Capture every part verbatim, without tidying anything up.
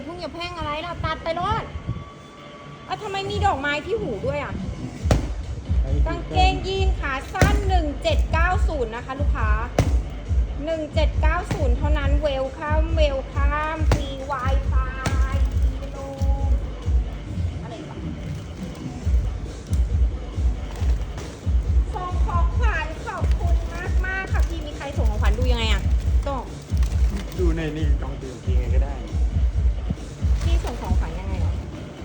าพุ่งอย่าแพร่งอะไรล่ะตัดไปรอดอ่ะทำไมมีดอกไม้ที่หูด้วยอ่ะกางเกงยีนขาสั้นหนึ่งเจ็ดเก้าศูนย์นะคะลูกค้าหนึ่งเจ็ดเก้าศูนย์เท่านั้นเวลคัมเวลคัมฟรี Wi-Fi โลอะไรบ้างส่งของขวัญขอบคุณมากมากๆค่ะพี่มีใครส่งของขวัญดูยังไงอ่ะต้องดูในนี่ลองดูจริงไงก็ได้พี่ส่งของขวัญยังไงเหรอ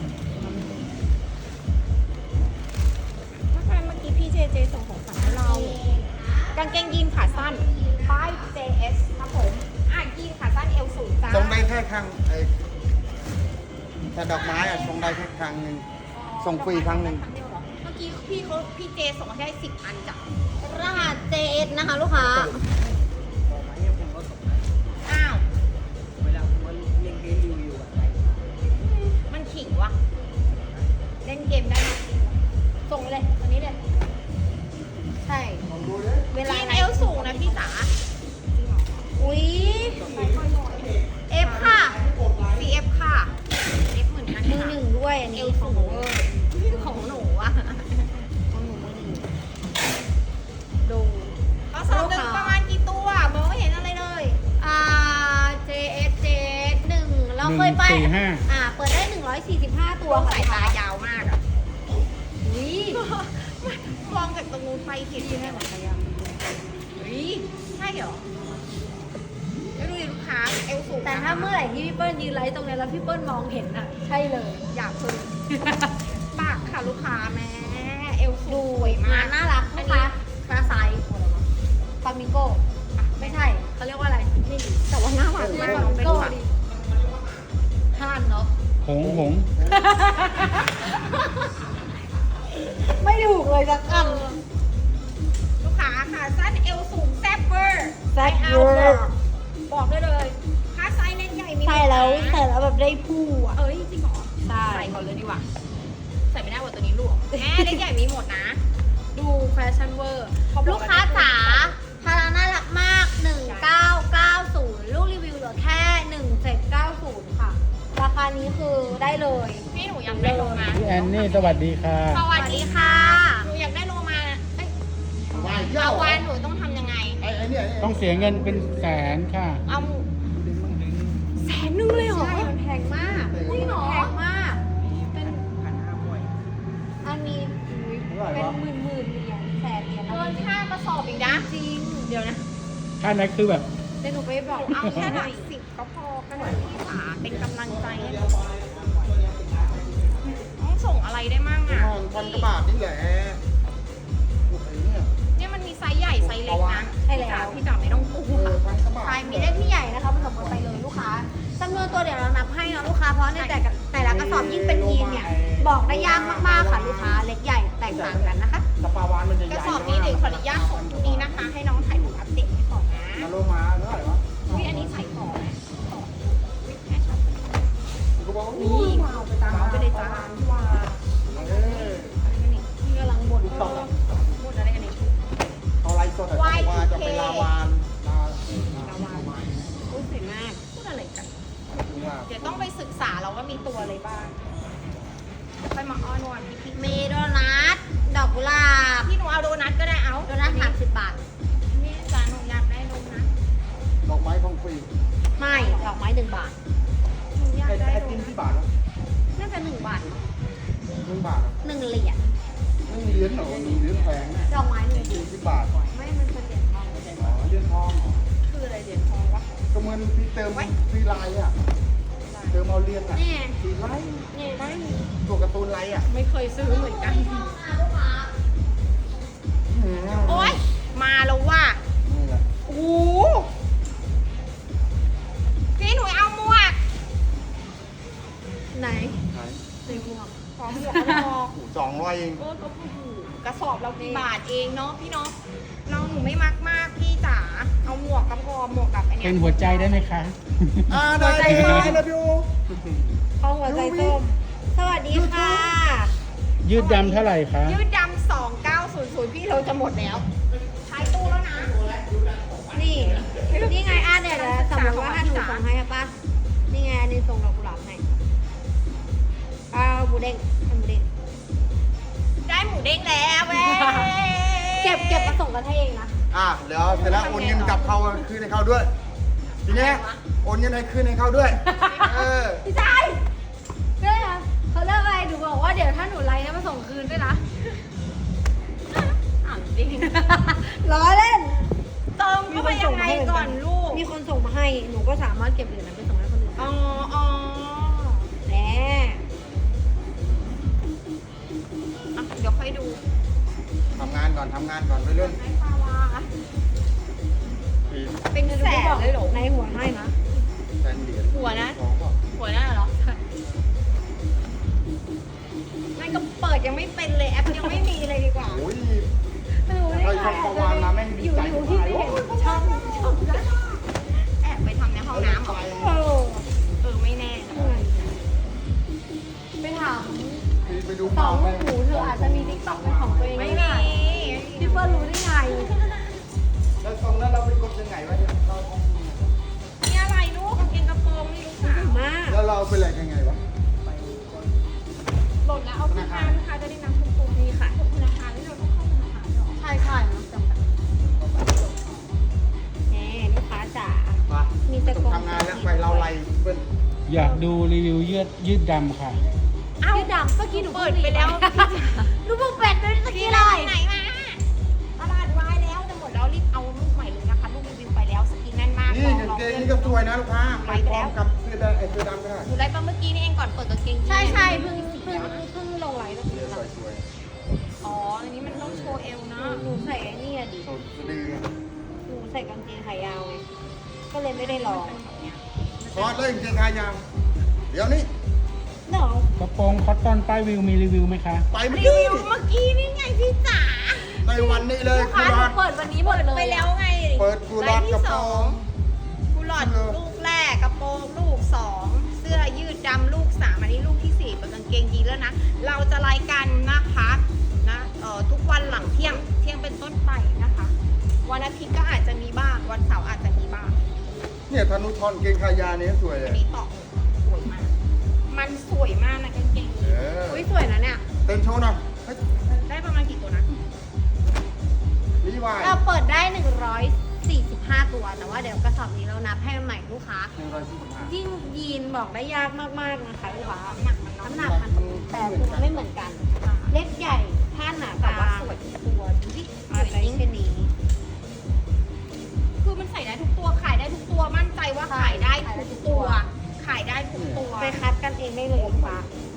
ถ้าใครเมื่อกี้พี่เจเจส่งของขวัญให้เรากางเกงยีนขาสั้นป้าย เจ เอส ครับผมอ่ะยีนขาสั้นเอวสูงจ้าทรงได้แค่ครั้งไอ้แต่ดอกไม้อะทรงได้แค่ครั้งหนึ่งส่งฟรีครั้งหนึ่งเดียวเหรอเมื่อกี้พี่เขาพี่เจส่งมาให้สิบอันจ้ะรหัส เจ เอส นะคะลูกค้าดอกไม้เนี่ยผมก็ส่งให้อ้าวเวลาผมว่าเล่นเกมรีวิวอะไรมันขิงวะเล่นเกมได้ไหมส่งเลยตอนนี้เลยใช่ลองดูเลยเวลายีนไหนเอวสูงนะพี่จ๋าอุ้ย เอฟค่ะซี เอฟ ค่ะ F เหมือนกันมือค่ะหนึ่งด้วยอันเอนี้วขสูองงหนูเวอร์ของหนูอะของหนูมือหนึ่งดูเอาสอบหนึ่งประมาณกี่ตัวมองไม่เห็นอะไรเลยอ่า เจ เอส เจ เอส หนึ่งเราเคยไปหนึ่งสี่ห้าอ่า เปิดได้หนึ่งร้อยสี่สิบห้าตัวตัวค่ะสายตายาวมากอะอุ้ยมองจากตรงนู้นไปเห็นยังไงหมดเลยอะเฮ้ยใช่เหรอไม่รู้ดิลูกค้าเอวสูงแต่ถ้าเมื่อไหร่ที่พี่เปิ้ลยืนไลฟ์ตรงนี้แล้วพี่เปิ้ลมองเห็นอ่ะ ใช่เลยอยากซื้อปากค่ะลูกค้าแม่เอวสูดูงสวยมางาก นน่ารักอัลูนกนี้ค้าฟาไซส์ฟามิงโก้อ่ะไม่ใช่เขาเรียกว่าอะไรนี่แต่ว่าหน้าหวานฟมากาลองมิไปงดูโก้ค่ะดิห่านเนาะหงหงไม่ถูกเลยสักอันลูกค้าค่ะสั้นเอวสูงแซ่บเวอร์แซ่บไม่เวเอาอร์บอกได้เลยถ้าไซส์เล่นใหญ่มีใส่แล้วหมดนะใส่แล้วแบบได้ผู้อ่ะเอ้ยจริงเหรอใช่ใส่ก่อนเลยดีกว่า ใส่ไม่ได้ว่าตัวนี้หลวมแม่เล็กใหญ่มีหมดนะ ดูแฟชั่นเวอร์เขบอกลูกค้าจ๋าพาราน่ารักมาก หนึ่งเก้าเก้าศูนย์ ลูกรีวิวเหลือแค่ หนึ่งเจ็ดเก้าศูนย์ ค่ะ ราคานี้คือได้เลยพี่หนูอยากได้โลมาพี่แอนนี่สวัสดีค่ะสวัสดีค่ะหนูอยากได้โลมาเอ้ยว่ายเย้าเอาวานหนูต้องทำยังไงไอ้ไอ้เนี่ยต้องเสียเงินเป็นแสนค่ะเอาแสนนึงเลยเหรอใช่ มันแพงมากจริงเหรอแพงมากเป็นพันห้าร้อยอันนี้อุ๊ยเป็นหมื่นหมื่นๆเหรียญแสนเหรียญเกินค่ากระสอบอีกนะจริงเดี๋ยวนะค่านั้นคือแบบเดี๋ยวหนูไปบอกเอาแค่หน่อยสิบก็พอกันหน่อยพี่ขาเป็นกำลังใจให้หนูต้องส่งอะไรได้มั่งอ่ะห้องพันกว่าบาทนี่แหละโอ้ยเนี่ยเนี่ยมันมีไซส์ใหญ่ไซส์เล็กนะใช่แล้วพี่จ๋าไม่ต้องกลัเอวอพันกว่าบาทใช่มีได้ที่ใหญ่นะคะผสมกันไปเลยลูกค้าจำนวนตัวเดี๋ยวเรานับให้นะลูกค้าเพราะในแต่ละแต่ละกระสอบยิ่งเป็นยีนเนี่ยบอกได้ยากมากๆค่ะลูกค้าเล็กใหญ่แตกต่างกันนะคะกระปาวานมันจะใหกญ่ระสอบนี้เดี๋ยวขออนุญาตส่งนี้นะคะ ให้น้องถ่ายรูปอัปเดตให้ก่อนนะมาโลมาเท่าไหร่วะอุ้ยอันนี้ใส่ต่อนะต่ออุ๊ยแม่ชอบกูบอกว่านี่เอาไปตามไปเลยจ้าว่าเออพี่กำลังบ่นต่อบ่นอะไรกันเนี่ยเอาไรสดอะเขาบอกว่าจะไปลาวานลาลาวานพูดสวยมากพูดอะไรกันถึงว่าเดี๋ยวต้องไปศึกษาเราว่ามีตัวอะไรบ้างค่อยมาอ้อนวอนพี่พี่เมโดนัทดอกกุหลาบพี่หนูเอาโดนัทก็ได้เอาโดนัทสามสิบบาทนี่จ้าหนูอยากได้โดนัทดอกไม้ของฟรีไม่ดอกไม้หนึ่งบาทหนูอยากไอ้ได้ไอ้โดติ้มนัทที่บาทนะน่าจะหนึ่งบาทหนึ่งบาทอะหนึ่งเหรียญไม่มีเหรียญเหรอมีเหรียญแพงนะดอกไม้หนึ่งเหรีสี่ยญสิบบาทไม่มันเป็นเหรียญทองอ๋อเหรียญทองเหรอคืออะไรเหรียญทองวะก็เหมือนพี่เติมฟรีไลน์อ่ะเติมเอาเหรียญอ่ะนี่ฟรีไลน์นี่ไม่ตัวการ์ตูนไลน์อ่ะไม่เคยซื้อเหมือนกันอืมโอ๊ยมาแล้วว่ะนี่แหละโอ้โหพี่หนูเอาหมวกไหนไหนในหมวกขอหมวกก็พอโอ้สองร้อยเองเออก็โอ้โหกระสอบเรากี่บาทเองเนาะพี่เนาะน้องหนูไม่มักมากพี่จ๋าเอาหมวกก็พอหมวกกับไอเนี้ยเป็นหัวใจได้ไหมคะอ่าได้ได้ได้เลยพี่โอข้องหัวใจส้ม สวัสดีค่ะยืดดำเท่าไหร่คะยืดดำสองเก้าศูนย์ศูนย์พี่เราจะหมดแล้วท้ายตู้แล้วนะนี่ นี่ไงอ่ะเดี๋ยวนะสมมติว่าถ้าหนูส่งให้ป่ะ นี่ไงอันนี้ส่งดอกกุหลาบให้เด้งให้หมูเด้งได้หมูเด้งแล้วเว้ยเก็บเก็บมาส่งกันให้เองนะอ่ะเดี๋ยวเสร็จแล้วโอนเงินกลับเขาคืนให้เขาด้วย ทีเนี้ยโอนเงินให้คืนให้เขาด้วย เออพี่ชายเรื่องอะไรเขาเลิกอะไรหนูบอกว่าเดี๋ยวถ้าหนูไลน์นะมาส่งคืนด้วยนะอ่านจริงล้อเล่นเติมเข้าไปยังไงก่อนลูกมีคนส่งมาให้ หนูก็สามารถเก็บเหรียญนั้นไปส่งให้คนอื่นอ๋ได้ออ๋อแน่อ่ะเดี๋ยวค่อยดูทำงานก่อนทำงานก่อนไปเรื่อยให้ปาวาปีเป็นแสนเลยเหรอในหัวให้นะแสนเหรียญหัวนะสองก็หัวหน้าเหรอนั่นก็เปิดยังไม่เป็นเลยแอปยังไม่มีเลยดีกว่าโอ้ยไม่รู้ได้ใครไงชอบประวานมาแม่งดีอยู่ใจอยู่ที่มากไม่เห็นโอ้ยชอบชอบนะแอบไปทำในห้องน้ำเหรอเออเออไม่แน่นะไปถามไปดูสองลูกหมูเธออาจจะมีติ๊กต็อกเป็นของตัวเองไม่ก็มีได้พี่เฟิร์นรู้ได้ไงแล้วตรงนั้นเราไปกดยังไงวะเนี่ยเรานี่อะไรลูกกางเกงกระโปรงนี่ลูกสาวมากแล้วเราไปแหลกยังไงวะหล่นแล้วเอาขึ้นมาลูกค้าจะได้นำคุณครูนี่ค่ะธนาคารที่เราต้องเข้าธนาคารเหรอใช่ใช่เนาะจำแบบแหมลูกค้าจ๋ามามีมีแต่กล่องทำงานแล้วไปเราไล่เปิ้ลอยากดูรีวิวยืดยืดดำค่ะเอ้ายืดดำเมื่อกี้หนูเปิดไปแล้วหนูเพิ่งเป็ดไปเมื่อพี่กี้เราเลยไปไหนมาตลาดวายแล้วจะหมดแล้วรีบเอาลูกใหม่เลยนะคะลูกรีวิวไปแล้วสกินแน่นมากนี่กางเกงนี่ก็สวยนะลูกค้าไปพร้อมกับเสื้อดำไอ้เสื้อดำก็ได้หนูไลฟ์มาเมื่อกี้นี่เองก่อนเปิดกางเกงยีนใช่ใช่เพิ่งเพิ่งเพิ่งลงไลน์เมื่อเสื้กี้อนะสวยอ๋ออันนี้มันต้องโชว์เอวนะหนูใส่ไอ้นี่อะดิๆสดสะดือหนูใส่กางเกงขายาวไงก็เลยไม่ได้ลองคอร์สเลยกางเกงขายาวเดี๋ยวนี้เดี๋ยวกระโปรงคอตตอนป้ายวิวมีรีวิวไหมคะไปเมื่อรีกี้วิวเมื่อกี้นี่ไงพี่จ๋าในวันนี้เลยลูกคุค้าณหนูรอดเปิดวันนี้หมดเลยไปแล้วไงเปิดกูรอดกระโปรงกูหลอดลูกแรกกระโปรงลูกสองเสื้อยืดดำลูกสามอันนี้ลูกที่สี่เป็นกางเกงยีนแล้วนะเราจะรายกันนะคะนะเอ่อทุกวันหลังเที่ยงเที่ยงเป็นต้นไปนะคะ วันอาทิตย์ก็อาจจะมีบ้างวันเสาร์อาจจะมีบ้างเนี่ยธนุทรเกงขายาวเนี่ยสวยเลอัยนนี้ต่อสวยมาก มันสวยมากนะกางเกงเอยีนออุ้ยสวยนะเนี่ยเต้นโชว์หน่อยเฮ้ยได้ประมาณกี่ตัวนะรีวายเราเปิดได้หนึ่งร้อยสี่สิบห้าตัว แต่ว่าเดี๋ยวกระสอบนี้เรานับให้ใหม่ลูกค้าหนึ่งร้อยสี่สิบห้ายิ่งยีนบอกได้ยากมากๆนะคะลูกค้าหนักมันเนาะน้ำหนักมันแต่ตัวไม่เหมือนกัน เล็กใหญ่ผ้าหนาแต่ตาว่าสวยทุกตัวดูดิสอะวยไรจริงเช่นนี้คือมันใส่ได้ทุกตัวขายได้ทุกตัวมั่นใจว่าขายได้ทุกตัว ขายได้ทุกตัวไปคัดกันเองได้เลยลูกค้า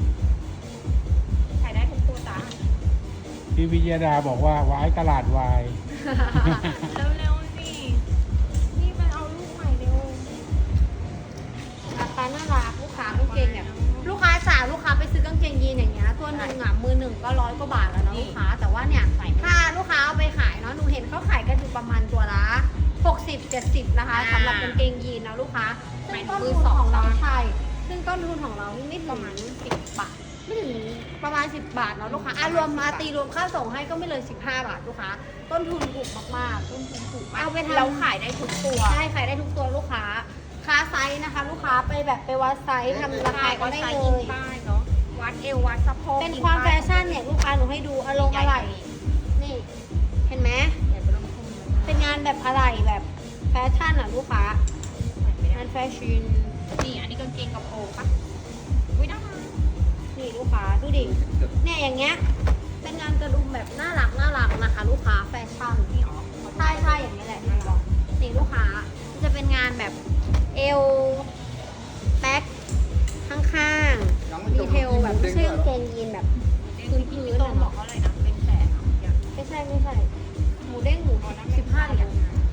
ขายได้ทุกตัวจ้าพี่วิยดาบอกว่าว้ายตลาดวายเร็วๆนี่นี่ไปเอาลูกใหม่เร็วราคาน่ารักลูกค้ากางเกงเนี่ยลูกค้าสาวลูกค้าไปซื้อกางเกงยีนอย่างเงี้ยตัวหนึ่งอ่ะมือหนึ่งก็ร้อยกว่าบาทแล้วเนาะลูกค้าแต่ว่าเนี่ยถ้าลูกค้าเอาไปขายเนาะหนูเห็นเขาขายกันอยู่ประมาณตัวละหกสิบ เจ็ดสิบนะคะสำหรับกางเกงยีนนะลูกค้าซึ่งต้นทุนของเราใช่ซึ่งต้นทุนของเรานี่ไม่ถึประงมาณสิบบาทไม่ถึงประมาณสิบบาทเนาะลูกค้าอ่ะรวมมาตีรวมค่าส่งให้ก็ไม่เลยสิบห้าบาทลูกค้าต้นทุนถูกมากๆต้นทุนถูกมากเอาไปทำเราขายได้ทุกตัวใช่ขายได้ทุกตัวลูกค้าค้าไซส์นะคะ ลูกค้าไปแบบไปวัดไซส์ทำราคาก็ได้ใช้เลอินยป้ายเนาะวัดเอววัดสะโพกเป็นความแฟชั่นเนี่ยลูกค้าหนูให้ดูอารมณ์อะไรนี่ เห็นไหมเป็นงานแบบอะไรแบบแฟชั่นอ่ะลูกค้างานแฟชั่นนี่อันนี้กางเกงกระโปรงปะอุ้ยน่ารักนี่ลูกค้าดูดิเนี่ยอย่างเงี้ยเป็นงานกระดุมแบบน่ารักน่ารักนะคะ ลูกค้าแฟชั่นนี่อ๋อใช่ใช่อย่างนี้แหละที่บอกนี่ลูกค้าจะเป็นงานแบบเอวแบ็คข้างๆดีเทลแบบไม่ใช่กางเกงยีนแบบพื้นพื้นตรงบอกเขาเลยนะเป็นแสนอะอย่างไม่ใช่ไม่ใช่หมูเด้งหมูสิบห้าเหรียญ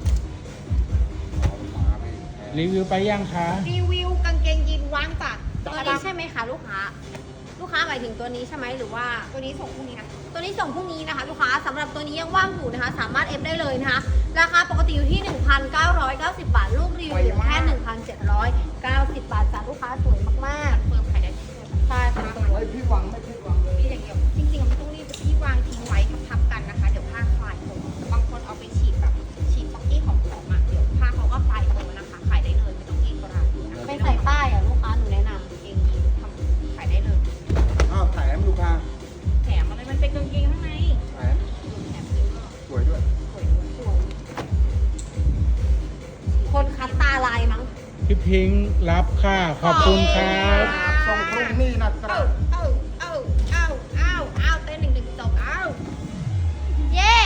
รีวิวไปยังคะรีวิวกางเกงยีนว่างจัดตัวนี้ใช่ไหมคะลูกค้า ลูกค้าหมายถึงตัวนี้ใช่ไหมหรือว่าตัวนี้ส่งพรุ่งนี้นะตัวนี้ส่งพรุ่งนี้นะคะ ลูกค้าสำหรับตัวนี้ยังว่างอยู่นะคะ สามารถเอฟได้เลยนะคะ ราคาปกติอยู่ที่ หนึ่งพันเก้าร้อยเก้าสิบ บาท ลูกรีวิวอยู่แค่ หนึ่งพันเจ็ดร้อยเก้าสิบ บาทจ้ะลูกค้าสวยมากเฟิร์มขายได้ทุกตัวๆใช่ค่ะเฮ้ยพี่หวังไม่พี่หวังเลยนี่อย่างเดียวจริงๆมันต้องรีบที่วางทิ้งไว้ทับๆกันนะคะ เดี๋ยวผ้าคลายตัวบางคนเอาไปฉีดแบบฉีดซ็อกกี้ของของอ่ะเดี๋ยวผ้าเขาก็คลายตัวนะคะ ขายได้เลยไม่ต้องเกรงกระไรนะคะไม่ใส่ป้ายอ่ะลูกค้าหนูแนะนำเกงยีนทำขายได้เลยอ้าวถ่ายทิ้งรับค่าขอบคุณครับส่งพรุ่งนี้นะครัเอ้าบเอ้าเอ้าเอ้าเอ้าเอ้าเต้นหนึ่งหนึ่งสองเอ้าเย่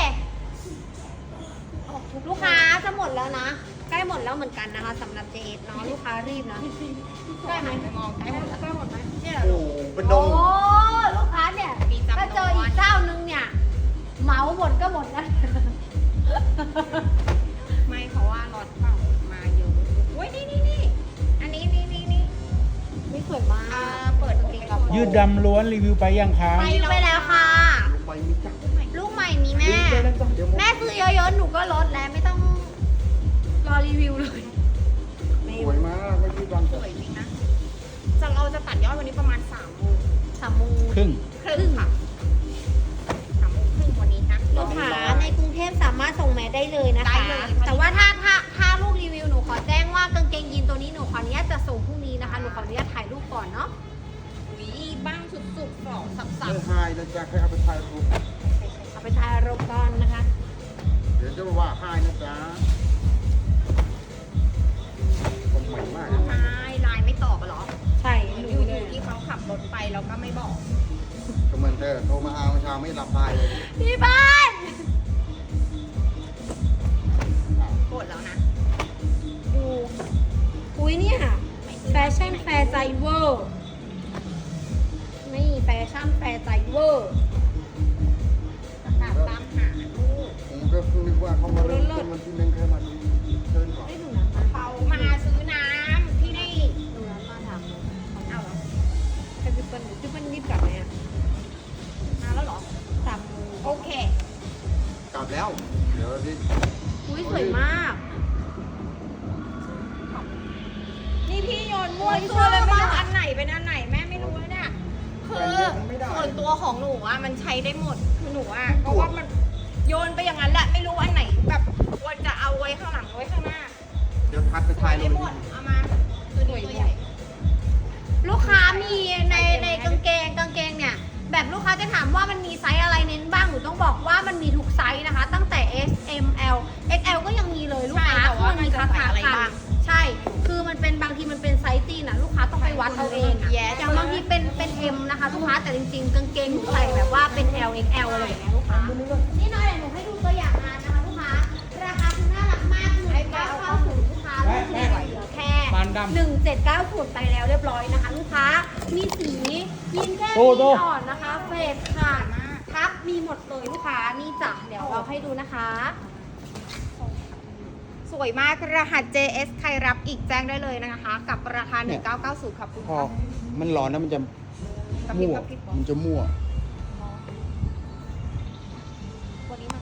ลูกค้าจะหมดแล้วนะ ใกล้หมดแล้วเหมือนกันนะคะสำหรับเจเอสเนาะลูกค้ารีบนะได้ไหมมองใกล้หมดแล้วใกล้หมดไหมเนี่ยโอ้โหเป็นดโอ้งลูกค้าเนี่ยถ้าเจออีกเจ้านึงเนี่ยเหมาหมดก็หมดนะไม่เพราะว่าล็อตเปล่ามาเยอะโอ้ยนี่นี่นี่อันนี้นี่นี่นี่นี่สวยมาอ่าก เปิดตรงนี้กับยืดดำล้วนรีวิวไปยังคะไปไปแล้วค่ะลงไปมีจักรลูกใหม่มีแม่เดี๋ยวนะจ๊ะเดี๋ยวแม่ซื้อเยอะๆหนูก็ลดแล้วไม่ต้องรอรีวิวเลยสวยมากไม่ยืดวันสวยจริงนะจะเราจะตัดยอดวันนี้ประมาณสามโมงสามโมงครึ่งครึ่งค่ะสามโมงครึ่งวันนี้นะลูกค้าในกรุงเทพสามารถส่งแมสได้เลยนะได้คะเลยแต่ว่าถ้าถ้าถ้าลูกรีวิวหนูขอแจ้งว่ากางเกงยีนตัวนี้หนูขออนุญาตจะส่งพรุ่งนี้นะคะหนูขออนุญาตถ่ายรูปก่อนเนาะอุ้ยบ้างสุดๆฝอกสับไม่หายนะจ๊ะใครเอาไปถ่ายรูปเอาไปถ่ายรูปก่อนนะคะเดี๋ยวจะว่าหายนะจ๊ะคนใหม่มากๆใช่ไลน์ไม่ตอบอะเหรอใช่อหนูยู่เลยที่เขาขับรถไปแล้วก็ไม่บอกก็เหมือนเธอโทรมาเอาเช้าไม่รับสายเลยพี่บ้านกดแล้วนะดูอุ้ยเนี่ยแฟชั่นแฟร์ใจเวอร์นี่แฟชั่นแฟร์ใจเวอร์ประกาศตามหาลูกผมก็เพิ่งนึกว่าเขามาเริ่มต้นวันที่หนึ่งเคยมาดูเชิญก่อนได้ดูนะคะเขามาซื้อน้ำที่นี่ดูแล้วมาถามเลยเอาเหรอใครเป็นคนพี่เปิ้ลรีบกลับไหมอ่ะมาแล้วเหรอสามโมงโอเคกลับแล้ว เดี๋ยวดิอุ้ยสวยมากนี่พี่โยนมั่วซั่วเลยไม่รู้อันไหนเป็นอันไหนแม่ไม่รู้เลยเนี่ย คือส่วนตัวของหนูอ่ะมันใช้ได้หมด คือหนูอ่ะเพราะว่ามันโยนไปอย่างนั้นแหละไม่รู้อันไหนแบบควรจะเอาไว้ข้างหลังไว้ข้างหน้าเดี๋ยวทัดไปถ่ายรูได้ปหมด เอามาตัวนี้ตัวใหญ่ลูกค้ามีในในกางเกงกางเกงเนี่ย แบบลูกค้าจะถามว่ามันมีไซส์อะไรเน้นบ้างหนูต้องบอกว่ามันมีทุกไซส์นะคะ ตั้งแต่ S M L เอ็กซ์ แอล ก็ยังมีเลยลูกค้าใช่แต่ว่าคือมันมีมันจะราใส่คาอะไรค่ะบ้างใช่ คือมันเป็นบางทีมันเป็นไซส์จีนนะลูกค้าต้องไปวัดเอาเองอะ Yes อย่างบางทีเป็นเป็น M นะคะลูกค้าแต่จริงๆกางเกงหนูใส่แบบว่าเป็น L เอ็กซ์ แอล อะไรอย่างเงี้ยลูกค้านี่น้อยเดี๋ยวหนูให้ดูตัวอย่างงานนะคะลูกค้าราคาคือน่ารักมากหนึ่งเก้าเก้าศูนย์ลูกค้าลูกเนี่ยเหลือแค่ปานดำหนึ่งเจ็ดเก้าศูนย์ไปแล้วเรียบร้อยนะคะ ลูกค้ามีสียีนแค่โตสีโตอ่อนนะคะเฟดค่ะทับมีหมดเลยลูกค้านี่จ้ะเดี๋ยวเราให้ดูนะคะสวยมากรหัส เจ เอส ใครรับอีกแจ้งได้เลยนะคะ กับราคา หนึ่งเก้าเก้าศูนย์ขอบคุณพอค่ะมันร้อนนะมันจะกระพริบมั่วกระพริบมันจะมั่วอ